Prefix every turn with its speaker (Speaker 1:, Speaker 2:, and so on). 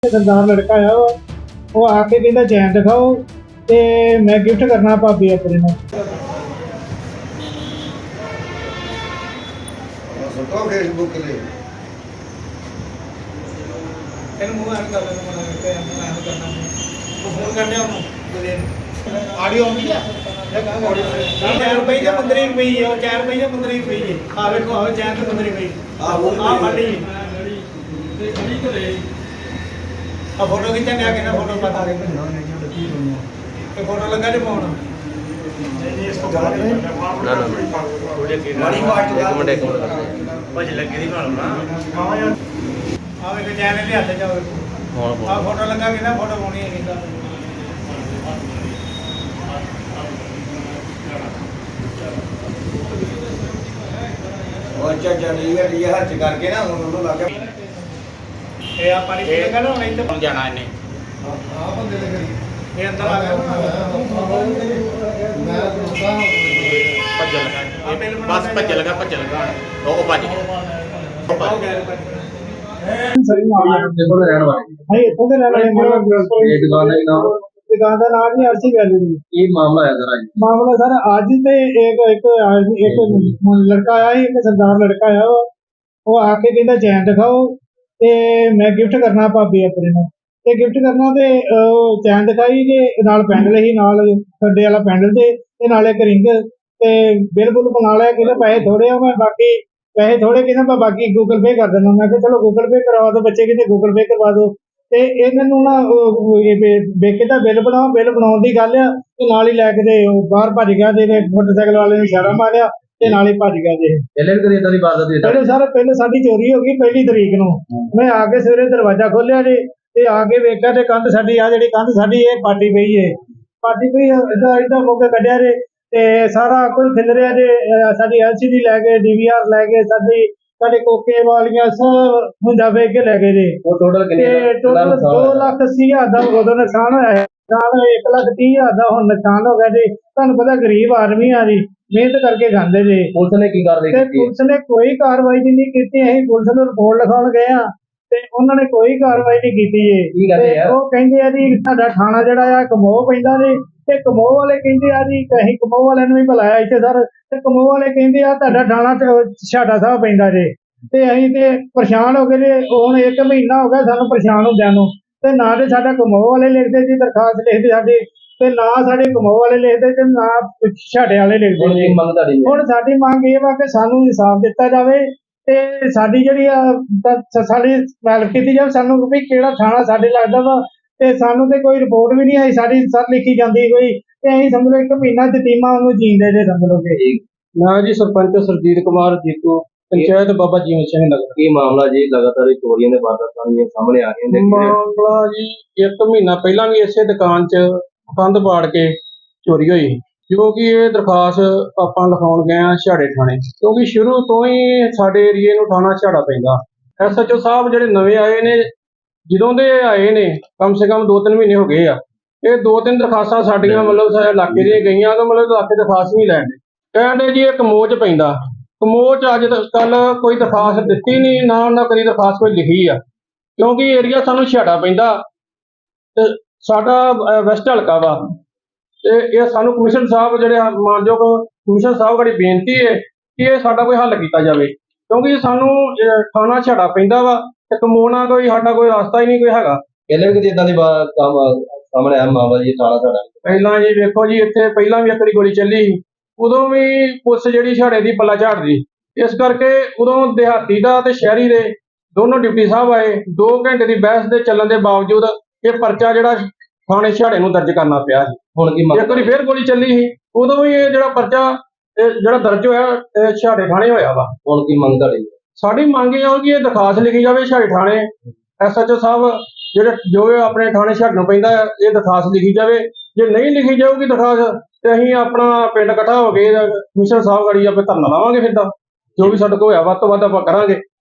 Speaker 1: सरदार लड़का है वो आके कहता चैन दिखाओ ते मैं गिफ्ट करना भाभी अपने नूं।
Speaker 2: सुटो फेसबुक ले
Speaker 3: ਇਹਨੂੰ ਮੂੰਹ ਐਂ ਕਰ ਲੈਣਾ ਮਨਾ ਕੇ ਇਹਨੂੰ ਐਂ ਕਰਨਾ ਉਹ ਫੋਨ ਕਰਨੇ ਉਹਨੂੰ ਬਲੇ ਆਡੀਓ ਆਉਂਦੀ ਆ ਇਹ ਕਹਾਂ ਆਡੀਓ 4 ਰੁਪਏ ਜਾਂ 15 ਰੁਪਏ ਹੈ ਉਹ 4 ਰੁਪਏ ਜਾਂ 15 ਰੁਪਏ ਹੈ ਆ ਵੇਖੋ ਆ ਚੈਨ ਤੇ 15 ਰੁਪਏ ਆ ਫੜੀ ਤੇ ਖੜੀ ਕਰੇ ਆ ਫੋਟੋ ਖਿੱਚਣ ਆ ਕੇ ਨਾ ਫੋਟੋ ਪਤਾ ਦੇ ਤੇ ਫੋਟੋ ਲੱਗਾ ਜੇ ਪਾਉਣਾ
Speaker 4: ਨਾ ਨਾ
Speaker 2: ਮਾੜੀ ਬਾਤ
Speaker 4: ਇੱਕ ਮਿੰਟ
Speaker 3: ਭਜ ਲੱਗੇ ਦੀ ਭਾਲਣਾ ਆ ਵੇਖੋ ਚੈਨ ਦੇ ਹੱਥ ਚ
Speaker 4: ਹੁਣ
Speaker 3: ਆ ਫੋਟੋ ਲੱਗਾ ਕਿ ਨਾ ਫੋਟੋ ਪਾਉਣੀ ਹੈ ਕਿਦਾ
Speaker 2: और चाचा ये हज करके ना उन्होंने लगा
Speaker 3: ਇਹ ਆ ਪਾਣੀ ਪੀ ਲਗਾ ਨਾ ਹੁਣ ਇੱਥੇ
Speaker 4: ਜਾਣਾ ਇਹਨੇ
Speaker 2: आ बंदे लगे
Speaker 3: ਇਹ ਅੰਦਰ ਆ ਗਿਆ
Speaker 2: मैं दोस्ता
Speaker 4: ਭੱਜ ਲਗਾ ਬਸ ਭੱਜ ਲਗਾ ਉਹ ਭੱਜ ਗਿਆ
Speaker 1: सही मामला
Speaker 4: ਦੇਖੋ ਰਹਿਣ ਵਾਲੇ
Speaker 1: नहीं इत्थों दे रहने वाले
Speaker 4: ਇਹ ਦੁਕਾਨ ਹੈ ਨਾ
Speaker 1: दुकान का नाम नहीं अर्शी वैली
Speaker 4: ਇਹ ਮਾਮਲਾ ਹੈ ਜ਼ਰਾ
Speaker 1: मामला सर आज ते एक लड़का आया ही एक सरदार लड़का आया वो आके कहता चैन दिखाओ ते मैं गिफ्ट करना भाभी अपने नूं ते गिफ्ट करना ते चैन दिखाई ते नाल पैंडल ही नाल खड्डे वाला पैंडल ते नाल एक रिंग ते बिल बुल बना लिया कहते पैसे थोड़े आ मैं बाकी पैसे थोड़े कहना मैं बाकी गूगल पे कर देना मैं कहा चलो गूगल पे करवा दो बच्चे कहते गूगल पे करवा दो ਤੇ ਇਹਨਾਂ ਨੂੰ ਨਾ ਬੇਕੇ ਦਾ ਬਿੱਲ ਬਣਾਉਣ ਦੀ ਗੱਲ ਆ ਤੇ ਨਾਲ ਹੀ ਲੈ ਕੇ ਤੇ ਬਾਹਰ ਭੱਜ ਗਿਆ ਤੇ ਮੋਟਰਸਾਈਕਲ ਵਾਲੇ ਨੇ ਇਸ਼ਾਰਾ ਮਾਰਿਆ ਤੇ ਨਾਲ ਹੀ ਭੱਜ ਗਿਆ ਜੇ
Speaker 4: ਪਹਿਲੇ ਵੀ ਕਦੇ ਇਦਾਂ ਦੀ ਬਾਤ ਹੋਈ
Speaker 1: ਪਹਿਲੇ ਸਾਡੀ ਚੋਰੀ ਹੋ ਗਈ 1 ਤਰੀਕ ਨੂੰ ਮੈਂ ਆ ਕੇ ਸਵੇਰੇ ਦਰਵਾਜ਼ਾ ਖੋਲਿਆ ਜੀ ਤੇ ਆ ਕੇ ਵੇਖਿਆ ਤੇ ਕੰਧ ਸਾਡੀ ਆ ਜਿਹੜੀ ਕੰਧ ਸਾਡੀ ਇਹ ਪਾਟੀ ਪਈ ਏਦਾਂ ਮੌਕੇ ਕੱਢਿਆ ਜੇ ਤੇ ਸਾਰਾ ਕੁਝ ਖਿਲ ਰਿਹਾ ਜੇ ਸਾਡੀ LCD ਲੈ ਗਏ DVR ਲੈ ਗਏ ਸਾਡੇ ਕੋਕੇ ਵਾਲੀਆਂ ਸਭ ਹੁੰਜਾ ਵੇਚ ਕੇ ਲੈ ਗਏ ਜੀ
Speaker 4: ਉਹ ਟੋਟਲ ਕਿੰਨੇ
Speaker 1: ਤੇ ਟੋਟਲ 2,80,000 ਦਾ ਉਦੋਂ ਨੁਕਸਾਨ ਹੋਇਆ ਹੈ। ਨੁਕਸਾਨ 1,30,000 ਦਾ ਹੁਣ ਨੁਕਸਾਨ ਹੋ ਗਿਆ ਜੀ। ਤੁਹਾਨੂੰ ਪਤਾ ਗਰੀਬ ਆਦਮੀ ਆ ਜੀ, ਮਿਹਨਤ ਕਰਕੇ ਖਾਂਦੇ ਜੀ।
Speaker 4: ਪੁਲਿਸ ਨੇ ਕੀ ਕਾਰਵਾਈ
Speaker 1: ਤੇ
Speaker 4: ਕੀਤੀ
Speaker 1: ਪੁਲਿਸ ਨੇ ਕੋਈ ਕਾਰਵਾਈ ਨਹੀਂ ਕੀਤੀ। ਅਸੀਂ ਪੁਲਿਸ ਨੂੰ ਰਿਪੋਰਟ ਲਿਖਾਉਣ ਗਏ ਆ ਤੇ ਉਹਨਾਂ ਨੇ ਕੋਈ ਕਾਰਵਾਈ ਨਹੀਂ ਕੀਤੀ ਜੀ।
Speaker 4: ਕੀ ਕਹਿੰਦੇ ਆ
Speaker 1: ਉਹ ਕਹਿੰਦੇ ਆ ਜੀ ਸਾਡਾ ਥਾਣਾ ਜਿਹੜਾ ਆ ਕਮੋਹ ਪੈਂਦਾ ਜੀ ਤੇ ਕਮੋਹ ਵਾਲੇ ਕਹਿੰਦੇ ਆ ਜੀ ਅਸੀਂ ਕਮੋਹ ਵਾਲਿਆਂ ਨੂੰ ਵੀ ਬੁਲਾਇਆ ਇੱਥੇ ਸਰ ਤੇ ਕਮੋਹ ਵਾਲੇ ਕਹਿੰਦੇ ਆ ਤੁਹਾਡਾ ਥਾਣਾ ਛਾਟਾ ਸਾਹਿਬ ਪੈਂਦਾ ਜੀ ਤੇ ਅਸੀਂ ਤੇ ਪਰੇਸ਼ਾਨ ਹੋ ਗਏ ਜੀ। ਹੁਣ 1 ਮਹੀਨਾ ਹੋ ਗਿਆ ਸਾਨੂੰ ਪਰੇਸ਼ਾਨ ਹੁੰਦਿਆਂ ਨੂੰ ਤੇ ਨਾ ਤੇ ਸਾਡਾ ਕਮੋਹ ਵਾਲੇ ਲਿਖਦੇ ਜੀ ਦਰਖਾਸਤ ਲਿਖਦੇ ਸਾਡੀ ਤੇ ਨਾ ਸਾਡੇ ਕਮੋਹ ਵਾਲੇ ਲਿਖਦੇ ਤੇ ਨਾ ਛਾਟੇ ਵਾਲੇ ਲਿਖਦੇ
Speaker 4: ਹੁਣ
Speaker 1: ਜੀ।
Speaker 4: ਕੀ ਮੰਗ ਤੁਹਾਡੀ
Speaker 1: ਹੁਣ ਸਾਡੀ ਮੰਗ ਇਹ ਵਾ ਕਿ ਸਾਨੂੰ ਇਨਸਾਫ ਦਿੱਤਾ ਜਾਵੇ ਤੇ ਸਾਡੀ ਜਿਹੜੀ ਆ ਸਾਡੀ ਹੈਲਪ ਕੀਤੀ ਜਾਵੇ। ਸਾਨੂੰ ਵੀ ਕਿਹੜਾ ਥਾਣਾ ਸਾਡੇ ਲੱਗਦਾ ਵਾ ਤੇ ਸਾਨੂੰ ਤੇ ਕੋਈ ਰਿਪੋਰਟ ਵੀ ਨਹੀਂ ਆਈ ਸਾਡੀ ਸਰ ਲਿਖੀ ਜਾਂਦੀ ਕੋਈ ਤੇ ਅਸੀਂ ਸਮਝ ਲਓ 1 ਮਹੀਨਾ ਯਤੀਮਾਂ ਉਹਨੂੰ ਜੀਂਦੇ ਜੇ ਸਮਝ ਲਓ ਕਿ
Speaker 5: ਨਾ ਜੀ ਸਰਪੰਚ ਸਰਜੀਤ ਕੁਮਾਰ ਜੀਤੂ ਪੰਚਾਇਤ ਬਾਬਾ ਜੀਵਨ ਸਿੰਘ ਨਗਰ।
Speaker 4: ਕੀ ਮਾਮਲਾ ਜੀ ਲਗਾਤਾਰ ਚੋਰੀਆਂ ਦੇ ਵਾਰਦਾਤਾਂ ਵੀ ਸਾਹਮਣੇ ਆ ਰਹੀਆਂ ਨੇ
Speaker 5: ਮਾਮਲਾ ਜੀ 1 ਮਹੀਨਾ ਪਹਿਲਾਂ ਵੀ ਇਸੇ ਦੁਕਾਨ 'ਚ ਕੰਧ ਪਾੜ ਕੇ ਚੋਰੀ ਹੋਈ ਜੋ ਕਿ ਇਹ ਦਰਖਾਸਤ ਆਪਾਂ ਲਿਖਾਉਣ ਗਏ ਆ ਛਾੜੇ ਥਾਣੇ ਕਿਉਂਕਿ ਸ਼ੁਰੂ ਤੋਂ ਹੀ ਸਾਡੇ ਏਰੀਏ ਨੂੰ ਥਾਣਾ ਛਾੜਾ ਪੈਂਦਾ। SHO ਸਾਹਿਬ ਜਿਹੜੇ ਨਵੇਂ ਆਏ ਨੇ ਜਦੋਂ ਦੇ ਆਏ ਨੇ ਕਮ ਸੇ ਕਮ 2-3 ਮਹੀਨੇ ਹੋ ਗਏ ਆ। ਇਹ 2-3 ਦਰਖਾਸਤਾਂ ਸਾਡੀਆਂ ਮਤਲਬ ਇਲਾਕੇ ਦੀਆਂ ਗਈਆਂ ਤਾਂ ਮਤਲਬ ਇਲਾਕੇ ਦਰਖਾਸਤ ਨਹੀਂ ਲੈਣ ਦੇ ਕਹਿੰਦੇ ਜੀ ਇਹ ਕਮੋਹ 'ਚ ਪੈਂਦਾ। ਕਮੋਹ 'ਚ ਅੱਜ ਕੱਲ ਕੋਈ ਦਰਖਾਸਤ ਦਿੱਤੀ ਨਹੀਂ ਨਾ ਉਹਨਾਂ ਕਦੀ ਦਰਖਾਸਤ ਕੋਈ ਲਿਖੀ ਆ ਕਿਉਂਕਿ ਏਰੀਆ ਸਾਨੂੰ ਛਾੜਾ ਪੈਂਦਾ ਤੇ ਸਾਡਾ ਵੈਸਟ ਹਲਕਾ ਵਾ ਤੇ ਇਹ ਸਾਨੂੰ ਕਮਿਸ਼ਨ ਸਾਹਿਬ ਜਿਹੜੇ ਮਾਨਯੋਗ ਕਮਿਸ਼ਨ ਸਾਹਿਬ ਕੋਲ ਬੇਨਤੀ ਹੈ ਕਿ ਇਹ ਸਾਡਾ ਕੋਈ ਹੱਲ ਕੀਤਾ ਜਾਵੇ ਕਿਉਂਕਿ ਸਾਨੂੰ ਥਾਣਾ ਛਾੜਾ ਪੈਂਦਾ ਵਾ ਤੇ ਕਮੋਹ ਨਾਲ ਕੋਈ ਸਾਡਾ ਕੋਈ ਰਸਤਾ ਹੀ ਨਹੀਂ ਕੋਈ ਹੈਗਾ।
Speaker 4: ਪਹਿਲੇ ਵੀ ਕਦੇ ਇਦਾਂ ਦੀ ਕੰਮ ਸਾਹਮਣੇ ਆਇਆ ਮਾਮਲਾ ਜੀ ਥਾਣਾ ਸਾਡਾ
Speaker 5: ਪਹਿਲਾਂ ਜੀ ਵੇਖੋ ਜੀ ਇੱਥੇ ਪਹਿਲਾਂ ਵੀ ਇੱਕ ਵਾਰੀ ਗੋਲੀ ਚੱਲੀ ਸੀ ਉਦੋਂ ਵੀ ਪੁਲਿਸ ਜਿਹੜੀ ਛਾੜੇ ਦੀ ਪੱਲਾ ਝਾੜਦੀ ਇਸ ਕਰਕੇ ਉਦੋਂ ਦਿਹਾਤੀ ਦਾ ਤੇ ਸ਼ਹਿਰੀ ਦੇ ਦੋਨੋਂ ਡਿਪਟੀ ਸਾਹਿਬ ਆਏ 2 ਘੰਟੇ ਦੀ ਬਹਿਸ ਦੇ ਚੱਲਣ ਦੇ ਬਾਵਜੂਦ ਇਹ ਪਰਚਾ ਜਿਹੜਾ ਥਾਣੇ ਛਾੜੇ ਨੂੰ ਦਰਜ ਕਰਨਾ ਪਿਆ ਸੀ।
Speaker 4: ਹੁਣ ਕੀ
Speaker 5: ਇੱਕ ਵਾਰੀ ਫੇਰ ਗੋਲੀ ਚੱਲੀ ਸੀ ਉਦੋਂ ਵੀ ਇਹ ਜਿਹੜਾ ਪਰਚਾ ਜਿਹੜਾ ਦਰਜ ਹੋਇਆ ਛਾੜੇ ਥਾਣੇ ਹੋਇਆ ਵਾ।
Speaker 4: ਹੁਣ ਕੀ ਮੰਗ ਤੁਹਾਡੀ
Speaker 5: ਸਾਡੀ ਮੰਗ ਇਹ ਆ ਕਿ ਇਹ ਦਰਖਾਸਤ ਲਿਖੀ ਜਾਵੇ ਛਾੜੇ ਥਾਣੇ SHO ਸਾਹਿਬ ਜਿਹੜੇ ਜੋ ਆਪਣੇ ਥਾਣੇ ਛਾੜੇ ਨੂੰ ਪੈਂਦਾ ਇਹ ਦਰਖਾਸਤ ਲਿਖੀ ਜਾਵੇ। ਜੇ ਨਹੀਂ ਲਿਖੀ ਜਾਊਗੀ ਦਰਖਾਸਤ ਤੇ ਅਸੀਂ ਆਪਣਾ ਪਿੰਡ ਇਕੱਠਾ ਹੋ ਕੇ ਕਮਿਸ਼ਨਰ ਸਾਹਿਬ ਗੜੀ ਆਪੇ ਧਰਨਾ ਲਾਵਾਂਗੇ। ਫਿਰ ਤਾਂ ਜੋ ਵੀ ਸਾਡੇ ਕੋਲ ਹੋਇਆ ਵੱਧ ਤੋਂ ਵੱਧ ਆਪਾਂ ਕਰਾਂਗੇ।